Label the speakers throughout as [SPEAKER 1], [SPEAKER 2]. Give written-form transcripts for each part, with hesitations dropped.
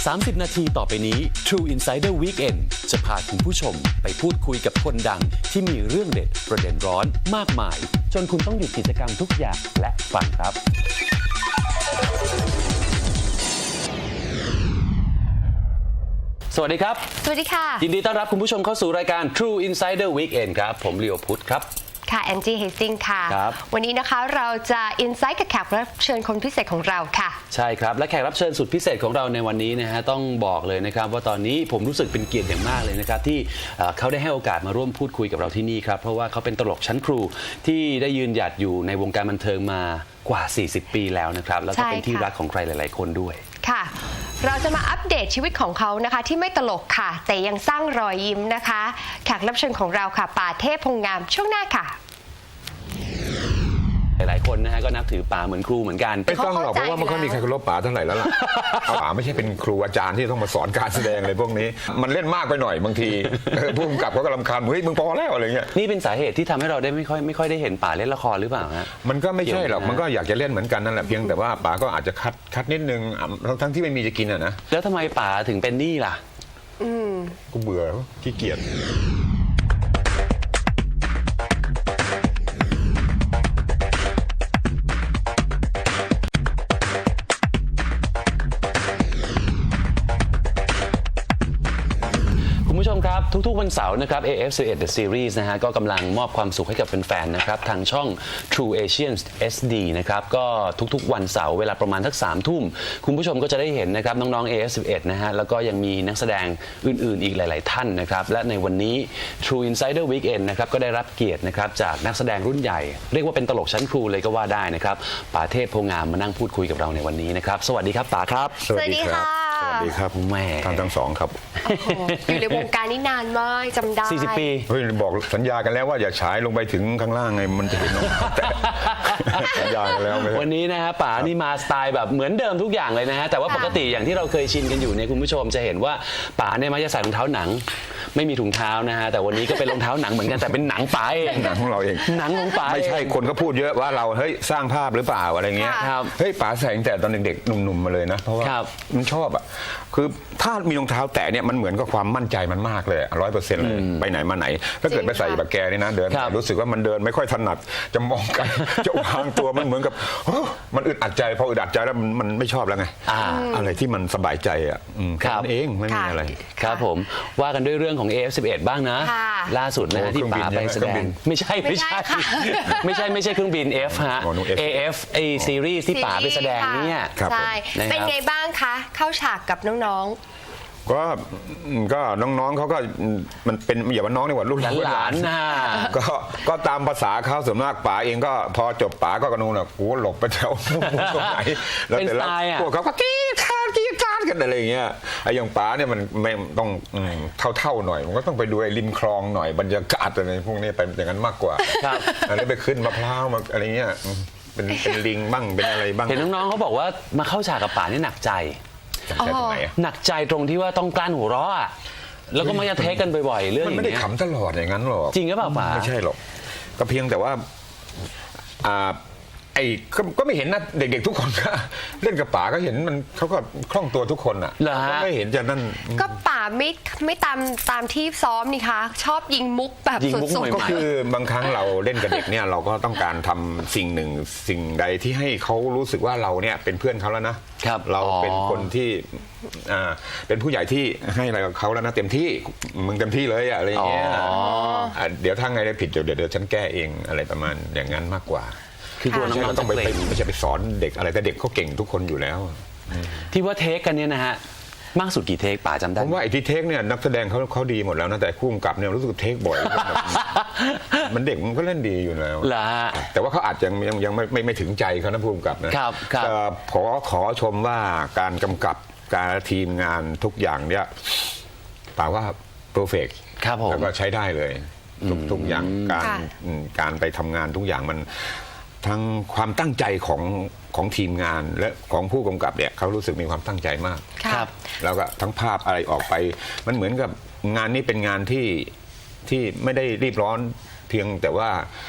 [SPEAKER 1] 30 นาทีต่อไปนี้ True Insider Weekend จะพาคุณผู้ชมไปพูดคุยกับคนดังที่มีเรื่องเด็ดประเด็นร้อนมากมายจนคุณต้องหยุดกิจกรรมทุกอย่างและฟังครับสวัสดีครับ
[SPEAKER 2] สวัสดีค่ะ
[SPEAKER 1] ยินดีต้อนรับคุณผู้ชมเข้าสู่รายการ True Insider Weekend ครับผมลีโอพุทธครับ
[SPEAKER 2] ค่ะแอนจี้เฮสติงค่ะวันนี้นะคะเราจะอินไซต์กับแขกรับเชิญคนพิเศษของเราค่ะ
[SPEAKER 1] ใช่ครับและแขกรับเชิญสุดพิเศษของเราในวันนี้นะฮะต้องบอกเลยนะครับว่าตอนนี้ผมรู้สึกเป็นเกียรติอย่างมากเลยนะครับที่เขาได้ให้โอกาสมาร่วมพูดคุยกับเราที่นี่ครับเพราะว่าเขาเป็นตลกชั้นครูที่ได้ยืนหยัดอยู่ในวงการบันเทิงมากว่า40 ปีแล้วนะครับแล้วก็เป็นที่รักของใครหลายๆคนด้วย
[SPEAKER 2] ค่ะเราจะมาอัปเดตชีวิตของเขานะคะที่ไม่ตลกค่ะแต่ยังสร้างรอยยิ้มนะคะแขกรับเชิญของเราค่ะป่าเทพพงษ์งามช่วงหน้าค่ะ
[SPEAKER 1] หลายๆคนนะฮะก็นับถือป๋าเหมือนครูเหมือนกัน
[SPEAKER 3] ไม่ต้องหรอกเพราะว่าไม่ค่อยมีใครเคารพป๋าเท่าไหร่แล้วล่ะป๋าไม่ใช่เป็นครูอาจารย์ที่ต้องมาสอนการแสดงอะไรพวกนี้มันเล่นมากไปหน่อยบางทีผู้กำกับเขาก็รำคาญเฮ้ยมึงพอแล้วอะไรเงี้ย
[SPEAKER 1] นี่เป็นสาเหตุที่ทำให้เราได้ไม่ค่อยได้เห็นป๋าเล่นละครหรือเปล่าฮะ
[SPEAKER 3] มันก็ไม่ใช่หรอกมันก็อยากจะเล่นเหมือนกันนั่นแหละเพียงแต่ว่าป๋าก็อาจจะคัดนิดนึงทั้งที่ไม่มีจะกินอ่ะนะ
[SPEAKER 1] แล้วทำไมป๋าถึงเป็นหนี้ล่ะ
[SPEAKER 3] กูเบื่อขี้เกียจ
[SPEAKER 1] คุณผู้ชมครับทุกๆวันเสาร์นะครับ AF11 The Series นะฮะก็กำลังมอบความสุขให้กับแฟนๆนะครับทางช่อง True Asian SD นะครับก็ทุกๆวันเสาร์เวลาประมาณทัก3 ทุ่มคุณผู้ชมก็จะได้เห็นนะครับน้องๆ AF11 นะฮะแล้วก็ยังมีนักแสดงอื่นๆอีกหลายๆท่านนะครับและในวันนี้ True Insider Weekend นะครับก็ได้รับเกียรตินะครับจากนักแสดงรุ่นใหญ่เรียกว่าเป็นตลกชั้นครูเลยก็ว่าได้นะครับป๋าเทพโพงามมานั่งพูดคุยกับเราในวันนี้นะครับสวัสดีครับป๋าครับ
[SPEAKER 2] สวัสดีค่ะ
[SPEAKER 3] สวัสดีครับ
[SPEAKER 1] แม่
[SPEAKER 3] ท่านทั้งสองครับ
[SPEAKER 2] อยู่ในวงการนี้นานมากจำได้
[SPEAKER 1] 40 ปี
[SPEAKER 3] เฮ้ยบอกสัญญากันแล้วว่าอย่าฉายลงไปถึงข้างล่างไงมันจะเห็นสัญญากันแล้ว
[SPEAKER 1] วันนี้นะฮะป๋านี่มาสไตล์แบบเหมือนเดิมทุกอย่างเลยนะฮะแต่ว่าปกติอย่างที่เราเคยชินกันอยู่เนี่ยคุณผู้ชมจะเห็นว่าป๋าเนี่ยมักจะใส่รองเท้าหนังไม่มีถุงเท้านะฮะแต่วันนี้ก็เป็นรองเท้าหนังเหมือนกันแต่เป็นหนังป๋าเอง
[SPEAKER 3] หนังของเราเอง
[SPEAKER 1] หนังของป๋า
[SPEAKER 3] ไม่ใช่คนก็พูดเยอะว่าเราเฮ้ยสร้างภาพหรือเปล่าอะไรเงี้ยเฮ้ยป๋าใส่ตั้งแต่ตอนเด็กๆหนุ่มๆมาเลยนะเพราะว่ามันชอบอ่ะคือถ้ามีรองเท้าแตะเนี่ยมันเหมือนกับความมั่นใจมันมากเลย100%เลยไปไหนมาไหนถ้าเกิดไปใส่แบบแกนี่นะเดินรู้สึกว่ามันเดินไม่ค่อยถนัดจะมองกันจะวางตัวมันเหมือนกับมันอึดอัดใจพออึดอัดใจแล้วมันไม่ชอบแล้วไงอะไรที่มันสบายใจอ่ะแค่นั้นเองไม่มีอะไร
[SPEAKER 1] ครับผมว่ากันด้วยเรื่องของ AF11 บ้างนะล่าสุดนะที่ป๋าไปแสดงไม่ใช่เครื่องบิน F ฮะ AF ไอซีรีส์ที่ป๋าไปแสดงเนี่ย
[SPEAKER 2] ใช่เป็นไงบ้างคะเข้าฉากกับน้อง
[SPEAKER 3] ก็น้องๆเขาก็มันเป็นอย่าว่าน้องดีกว่ารุ่น
[SPEAKER 1] หลานนะ
[SPEAKER 3] ก็ตามภาษาเขาส่วนมากป๋าเองก็พอจบป๋าก็กระนูนอ่ะกูหลบไปแถวตรงไหนแล้วแต่ละพวกเขาก็กี้คาดกันอะไรอย่างเงี้ยไอ้อย่างป๋าเนี่ยมันไม่ต้องเท่าหน่อยมันก็ต้องไปดูไอ้ริมคลองหน่อยบรรยากาศอะไรพวกนี้ไปอย่างนั้นมากกว่าอะไรไปขึ้นมะพร้าวมาอะไรเงี้ยเป็นลิงบ้างเป็นอะไรบ้าง
[SPEAKER 1] เห็นน้องๆเขาบอกว่ามาเข้าฉากกับป๋านี่หนักใจหนักใจตรงที่ว่าต้องกลั้นหัวเราะแล้วก็มักจะเทคกันบ่อยๆเรื่อง
[SPEAKER 3] มันไม่ได้ขำตลอดอย่างนั้นหรอก
[SPEAKER 1] จริงหรือเปล่าป๋า
[SPEAKER 3] ไม่ใช่หรอกก็เพียงแต่ว่าก็ไม่เห็นนะเด็กๆทุกคนก็เล่นกับป๋าก็เห็นมันเขาก็คล่องตัวทุกคนอ่ะก็ไม่เห็นจะนั่น
[SPEAKER 2] ก็ป๋าไม่ตามที่ซ้อมนี่คะชอบยิงมุกแบบสด
[SPEAKER 3] ๆก็คือบางครั้งเราเล่นกับเด็กเนี่ยเราก็ต้องการทำสิ่งหนึ่งสิ่งใดที่ให้เขารู้สึกว่าเราเนี่ยเป็นเพื่อนเขาแล้วนะเราเป็นคนที่เป็นผู้ใหญ่ที่ให้อะไรกับเขาแล้วนะเต็มที่มึงเต็มที่เลยอะไรอย่างเงี้ยเดี๋ยวถ้าไงได้ผิดเดี๋ยวฉันแก้เองอะไรประมาณอย่างนั้นมากกว่า
[SPEAKER 1] คือตัวน้องๆ
[SPEAKER 3] ต้องไปไม่ใช่ไปสอนเด็กอะไรแต่เด็กเขาเก่งทุกคนอยู่แล้ว
[SPEAKER 1] ที่ว่าเทคกันเนี่ยนะฮะมากสุดกี่เทคป๋าจำได้
[SPEAKER 3] ผมว่าไอ้ที่เทคเนี่ยนักแสดงเขาดีหมดแล้วนะแต่คู่กำกับเนี่ยรู้สึกเทคบ่อยมันเด็กมันก็เล่นดีอยู่แล้วแต่ว่าเขาอาจจะยังไม่ถึงใจเขานะคู่กำกับนะขอชมว่าการกำกับการทีมงานทุกอย่างเนี่ยป่าว่าเพอร์เฟกต์แล้วก็ใช้ได้เลยทุกอย่างการไปทำงานทุกอย่างมันทั้งความตั้งใจของทีมงานและของผู้กำกับเนี่ยเขารู้สึกมีความตั้งใจมากแล้วก็ทั้งภาพอะไรออกไปมันเหมือนกับงานนี้เป็นงานที่ไม่ได้รีบร้อนเพียงแต่ว่า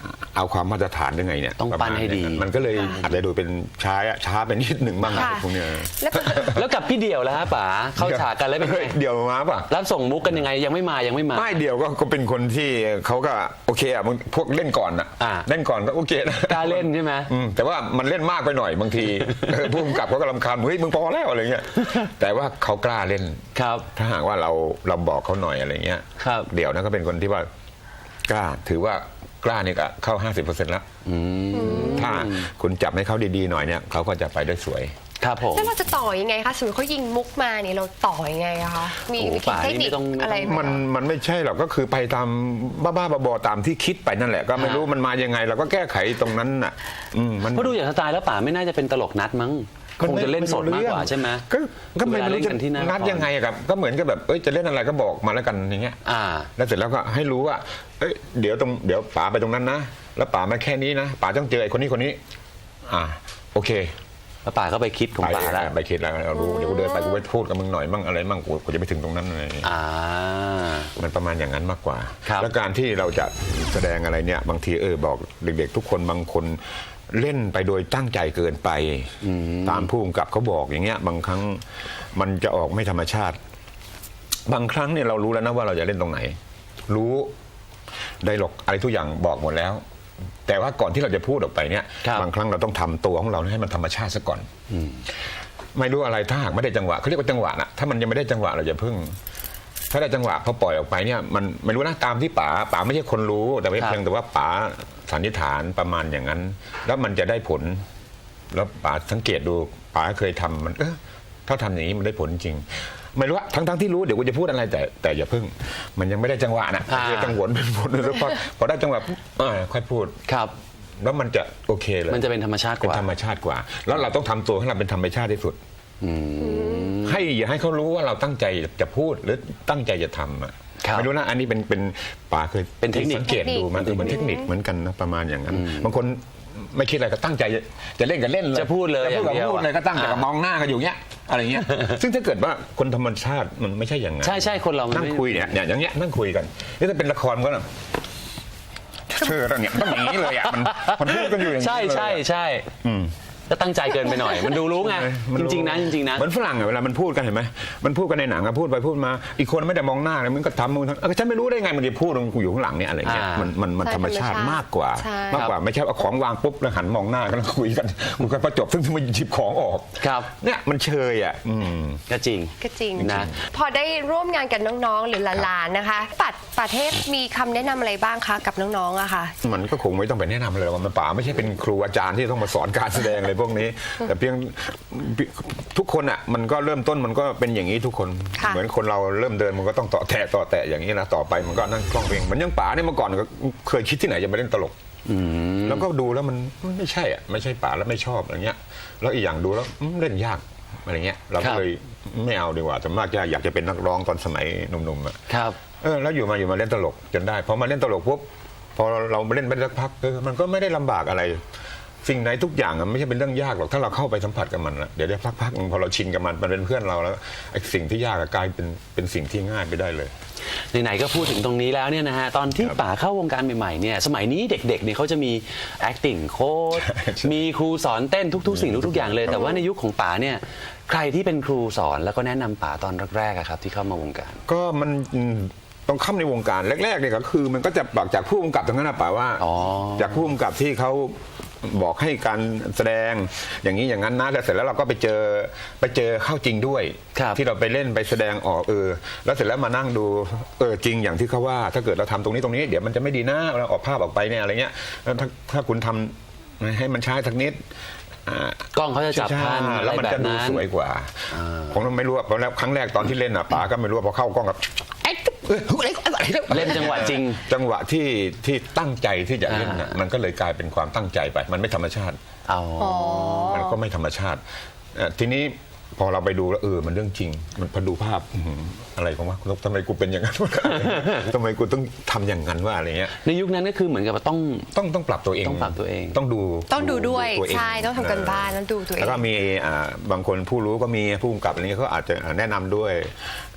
[SPEAKER 3] เอาความมาตรฐานยังไงเนี่ย
[SPEAKER 1] ต้องปั้นให้ดี
[SPEAKER 3] มันก็เลยอาจจะดูเป็นช้าไปนิดหนึ่งบ้างอะไรพวกเนี้ย
[SPEAKER 1] แล้วกับพี่เดี่ยวแล้วฮะป๋าเข้าฉากกันแล้วเป็นไง
[SPEAKER 3] เดี่ยวมาป่ะ
[SPEAKER 1] รับส่งมุกกันยังไงยังไม่มา
[SPEAKER 3] ไม่เดี่ยวก็เป็นคนที่เขาก็โอเคอ่ะพวกเล่นก่อนอ่ะเล่นก่อนก็โอเคนะ
[SPEAKER 1] กล้าเล่นใช่ไหม
[SPEAKER 3] แต่ว่ามันเล่นมากไปหน่อยบางทีผู้กำกับเขาก็รำคาญเฮ้ยมึงพอแล้วอะไรเงี้ยแต่ว่าเขากล้าเล่น
[SPEAKER 1] ครับ
[SPEAKER 3] ถ้าหากว่าเราบอกเขาหน่อยอะไรเงี้ยเดี่ยวนะก็เป็นคนที่ว่ากล้าถือว่ากล้านี่ก็เข้า 50% แล้วถ้าคุณจับให้เขาดีๆหน่อยเนี่ยเขาก็จะไปได้สวย
[SPEAKER 1] ครับผม
[SPEAKER 2] แล้วเราจะต่อยังไงคะสมมติเขายิงมุกมาเนี่ยเราต่อยังไงอะคะมีเทคนิคอะไร
[SPEAKER 3] มันไม่ใช่หรอกก็คือไปตามบ้าๆบอๆตามที่คิดไปนั่นแหละก็ไม่รู้มันมายังไงเราก็แก้ไขตรงนั้นน่ะ
[SPEAKER 1] เพราะดูอย่างสไตล์แล้วป๋าไม่น่าจะเป็นตลกนัดมั้งคงจะเล่นสดมากกว่าใช่ไหม
[SPEAKER 3] ก็ไม่รู้จะนัดยังไงครับก็เหมือนกับแบบจะเล่นอะไรก็บอกมาแล้วกันอย่างเงี้ยแล้วเสร็จแล้วก็ให้รู้ว่าเดี๋ยวป๋าไปตรงนั้นนะแล้วป๋ามาแค่นี้นะป๋าต้องเจอไอ้คนนี้โอเค
[SPEAKER 1] แล้วป๋าก็ไปคิดของป๋าแล้ว
[SPEAKER 3] ไปคิดแล้วเรารู้เดี๋ยวกูเดินไปกูไปพูดกับมึงหน่อยมั่งอะไรมั่งกูจะไปถึงตรงนั้นอะไรมันประมาณอย่างนั้นมากกว่าแล้วการที่เราจะแสดงอะไรเนี่ยบางทีบอกเด็กๆทุกคนบางคนเล่นไปโดยตั้งใจเกินไปตามผู้กำกับเขาบอกอย่างเงี้ยบางครั้งมันจะออกไม่ธรรมชาติบางครั้งเนี่ยเรารู้แล้วนะว่าเราจะเล่นตรงไหนรู้ไดร็อกอะไรทุกอย่างบอกหมดแล้วแต่ว่าก่อนที่เราจะพูดออกไปเนี่ยบางครั้งเราต้องทำตัวของเราให้มันธรรมชาติซะก่อนไม่รู้อะไรถ้าหากไม่ได้จังหวะเขาเรียกว่าจังหวะนะถ้ามันยังไม่ได้จังหวะเราจะพึ่งถ้าได้จังหวะพอปล่อยออกไปเนี่ยมันไม่รู้นะตามที่ป๋าไม่ใช่คนรู้แต่เพียงแต่ว่าป๋าสันนิษฐานประมาณอย่างนั้นแล้วมันจะได้ผลแล้วป๋าสังเกตดูป๋าเคยทำมันถ้าทำอย่างนี้มันได้ผลจริงไม่รู้ว่าทั้งที่รู้เดี๋ยวกูจะพูดอะไรแต่อย่าพึ่งมันยังไม่ได้จังหวะนะจังหวะเป็นผลแล้วพอได้จังหวะค่อยพูด
[SPEAKER 1] ครับ
[SPEAKER 3] แล้วมันจะโอเคเลย
[SPEAKER 1] มันจะเป็นธรรมชาติกว่า
[SPEAKER 3] เป็นธรรมชาติกว่าแล้วเราต้องทำตัวให้เราเป็นธรรมชาติที่สุดอย่าให้เขารู้ว่าเราตั้งใจจะพูดหรือตั้งใจจะทำไม่รู้นะอันนี้เป็นป๋าเคย
[SPEAKER 1] เป็นเทคนิค
[SPEAKER 3] สังเกตดูมันเป็นเทคนิคเหมือนกันนะประมาณอย่างนั้นบางคนไม่คิดอะไรก็ตั้งใจจะเล่นกันเล่นเลย
[SPEAKER 1] จะพูดเลย
[SPEAKER 3] อย่างเดียวพูดเลยก็ตั้งแต่มองหน้ากันอยู่เงี้ยอะไรเงี้ยซึ่งถ้าเกิดว่าคนธรรมชาติมันไม่ใช่อย่างนั้น
[SPEAKER 1] ใช่คนเรา
[SPEAKER 3] นั่งคุยเนี่ยอย่างเงี้ยนั่งคุยกันนี่ถ้าเป็นละครก็นะเชื่อแล้วเนี่ยต้องอย่างนี้เลยอ่ะมันพูดกันอยู่อย่างนี้
[SPEAKER 1] ใช่ก็ตั้งใจเกินไปหน่อยมันดูรู้ไงจริงๆนะ
[SPEAKER 3] เหมือนฝรั่งเวลามันพูดกันเห็นไหมมันพูดกันในหนังพูดไปพูดมาอีกคนไม่ได้มองหน้าเลยมันก็ทำมึงฉันไม่รู้ได้ไงมันจะพูดกูอยู่ข้างหลังเนี่ยอะไรเงี้ยมันธรรมชาติมากกว่าไม่ใช่เอาของวางปุ๊บแล้วหันมองหน้ากันคุยกันกูก็ประจบซึ่งมันหยิบของออกเนี่ยมันเชยอ่ะ
[SPEAKER 1] ก็จริง
[SPEAKER 2] นะพอได้ร่วมงานกับน้องๆหรือหลานๆนะคะประเทศมีคำแนะนำอะไรบ้างคะกับน้องๆอะค่ะ
[SPEAKER 3] มันก็คงไม่ต้องไปแนะนำเลยว่ามันป๋าไม่ใช่เป็นครูอาจารย์ที่ต้องมาสอนการแสดงอะไรพวกนี้แต่เพียงทุกคนอ่ะมันก็เริ่มต้นมันก็เป็นอย่างนี้ทุกคนเหมือนคนเราเริ่มเดินมันก็ต้องต่อแตะอย่างนี้นะต่อไปมันก็นั่งคล่องเพลงมันยังป๋าเนี่ยเมื่อก่อนก็เคยคิดที่ไหนจะมาเล่นตลกแล้วก็ดูแล้วมันไม่ใช่อ่ะไม่ใช่ป๋าแล้วไม่ชอบอะไรเงี้ยแล้วอีกอย่างดูแล้วเล่นยากอะไรเงี้ยเราก็เลยไม่เอาดีกว่าแต่มากอยากจะเป็นนักร้องตอนสมัยหนุ่มๆอ่ะแล้วอยู่มาเล่นตลกจนได้พอมาเล่นตลกปุ๊บพอเราเล่นไปสักพักมันก็ไม่ได้ลำบากอะไรสิ่งไหนทุกอย่างไม่ใช่เป็นเรื่องยากหรอกถ้าเราเข้าไปสัมผัสกับมันแล้วเดี๋ยวพักพอเราชินกับมันเป็นเพื่อนเราแล้วไอ้สิ่งที่ยากกลายเป็นสิ่งที่ง่ายไปได้เลย
[SPEAKER 1] ไหนๆก็พูดถึงตรงนี้แล้วเนี่ยนะฮะตอนที่ป๋าเข้าวงการใหม่ๆเนี่ยสมัยนี้เด็กๆเนี่ยเขาจะมี acting coach มีครูสอนเต้นทุกๆสิ่งทุกๆอย่างเลยแต่ว่าในยุคของป๋าเนี่ยใครที่เป็นครูสอนแล้วก็แนะนำป๋าตอนแรกๆครับที่เข้ามาวงการ
[SPEAKER 3] ก็มันต้องเข้าในวงการแรกๆเนี่ยก็คือมันก็จะบอกจากผู้กำกับตรงนั้นนะป๋าว่าจากผู้กำกับที่เขาบอกให้การแสดงอย่างนี้อย่างนั้นนะแล้วเสร็จแล้วเราก็ไปเจอเข้าจริงด้วยที่เราไปเล่นไปแสดงออกแล้วเสร็จแล้วมานั่งดูจริงอย่างที่เขาว่าถ้าเกิดเราทำตรงนี้เดี๋ยวมันจะไม่ดีนะเราออกภาพออกไปเนี่ยอะไรเงี้ยแล้วถ้าคุณทำให้มันช้าสักนิด
[SPEAKER 1] กล้องเขาจะจับทัน
[SPEAKER 3] แล้วมันจะดูสวยกว่าผมไม่รู้ว่าเพราะแล้วครั้งแรกตอนที่เล่นป๋าก็ไม่รู้พอเข้ากล้องกับ
[SPEAKER 1] เล่นจังหวะจริง
[SPEAKER 3] จังหวะที่ตั้งใจที่จะเล่นมันก็เลยกลายเป็นความตั้งใจไปมันไม่ธรรมชาติมันก็ไม่ธรรมชาติทีนี้พอเราไปดูแล้วมันเรื่องจริงมันพอดูภาพอะไรของว่าทำไมกูเป็นอย่างนั้นทำไมกูต้องทำอย่างนั้นว่าอะไรเงี้ย
[SPEAKER 1] ในยุคนั้นก็คือเหมือนกับว่า
[SPEAKER 3] ต้องปรับตัวเองต้อง
[SPEAKER 2] ดูด้วยใช่ต้องทำกันบ้านต้องดูตัวเอง
[SPEAKER 3] แล้วก็มีบางคนผู้รู้ก็มีผู้กำกับอะไรเงี้ยเขาอาจจะแนะนำด้วย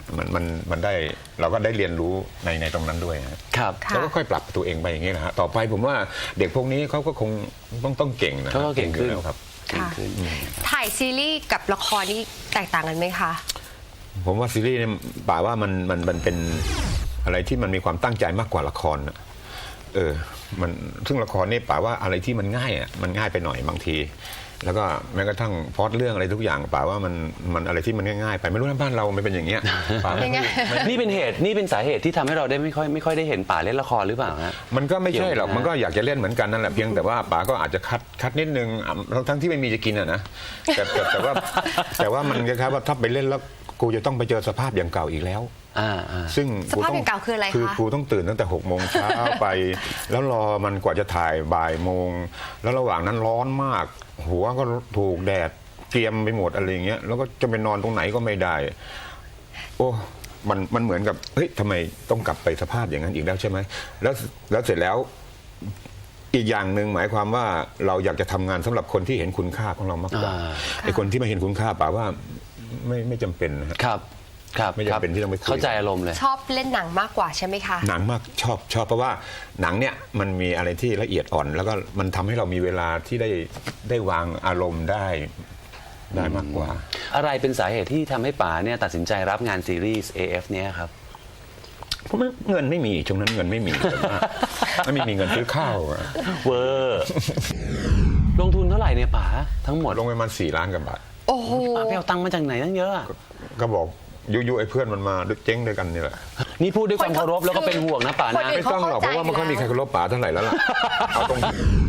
[SPEAKER 3] มันได้เราก็ได้เรียนรู้ในตรงนั้นด้วยนะครับ แล้วก็ค่อยปรับตัวเองไปอย่างนี้นะฮะต่อไปผมว่าเด็กพวกนี้เขาก็คงต้องเก่งนะ
[SPEAKER 1] เขาก็เก่งขึ้น
[SPEAKER 3] แล้วครับ
[SPEAKER 2] ค่ะถ่ายซีรีส์กับละครนี่แตกต่างกันไหมคะ
[SPEAKER 3] ผมว่าซีรีส์เนี่ยป่าว่ามันเป็นอะไรที่มันมีความตั้งใจมากกว่าละครนะมันซึ่งละครนี่ป่าว่าอะไรที่มันง่ายอ่ะมันง่ายไปหน่อยบางที แล้วก็แม้กระทั่งพล็อตเรื่องอะไรทุกอย่างป่าว่ามันอะไรที่มันง่ายๆไปไม่รู้นะบ้านเราไม่เป็นอย่างเงี้ยป่าไม่
[SPEAKER 1] นี่เป็นสาเหตุที่ทำให้เราได้ไม่ค่อยได้เห็นป่าเล่นละครหรือเปล่าฮะ
[SPEAKER 3] มันก็ไม่ใช่หรอกมันก็อยากจะเล่นเหมือนกันนั่นแหละเพียงแต่ว่าป่าก็อาจจะคัดนิดนึงทั้งที่ไม่มีจะกินอ่ะนะแต่ว่ามันคล้ายๆว่าถ้าไปเล่นแล้วกูจะต้องไปเจอสภาพอย่างเก่าอีกแล้วซึ่ง
[SPEAKER 2] สภาพอย่างเก่าคืออะไรคะ
[SPEAKER 3] คือครูต้องตื่นตั้งแต่6 โมงเช้าไป แล้วรอมันกว่าจะถ่ายบ่ายโมงแล้วระหว่างนั้นร้อนมากหัวก็ถูกแดดเกรียมไปหมดอะไรอย่างเงี้ยแล้วก็จะไปนอนตรงไหนก็ไม่ได้โอ้มันเหมือนกับเฮ้ยทำไมต้องกลับไปสภาพอย่างนั้นอีกแล้วใช่ไหมแล้วเสร็จแล้วอีกอย่างหนึ่งหมายความว่าเราอยากจะทำงานสำหรับคนที่เห็นคุณค่าของเรามากกว่าไอ้คนที่ไม่เห็นคุณค่าป่าว่าไม่จำเป็นนะครับไม่จำเป็นที่ต้องไปคุย
[SPEAKER 1] เข้าใจอารมณ์เลย
[SPEAKER 2] ชอบเล่นหนังมากกว่าใช่ไหมคะ
[SPEAKER 3] หนังมากชอบเพราะว่าหนังเนี่ยมันมีอะไรที่ละเอียดอ่อน แล้วก็มันทำให้เรามีเวลาที่ได้วางอารมณ์ได้มากกว่า
[SPEAKER 1] อะไรเป็นสาเหตุที่ทำให้ป๋าเนี่ยตัดสินใจรับงานซีรีส์ AF เนี่ยครับ
[SPEAKER 3] เพราะเงินไม่มีช่วงนั้นเงินไม่มี ไม่มีเงินซื้อข้าวอะ
[SPEAKER 1] เวอร์ลงทุนเท่าไหร่เนี่ยป๋าทั้งหมด
[SPEAKER 3] ลงไปประมาณ4 ล้านกว่าบาท
[SPEAKER 2] โอ้โห
[SPEAKER 1] ป๋าไปเอาตังค์มาจากไหนตั้งเยอะอะ
[SPEAKER 3] ก็บอกยุไอ้เพื่อนมันมาเจ๊งด้วยกันนี่แหละ
[SPEAKER 1] นี่พูดด้วยความเคารพแล้วก็เป็นห่วงนะป๋านะ
[SPEAKER 3] ไม่ต้องหรอกเพราะว่าไม่ค่อยมีใครเคารพป๋าเท่าไหร่แล้วล่ะเอาตรง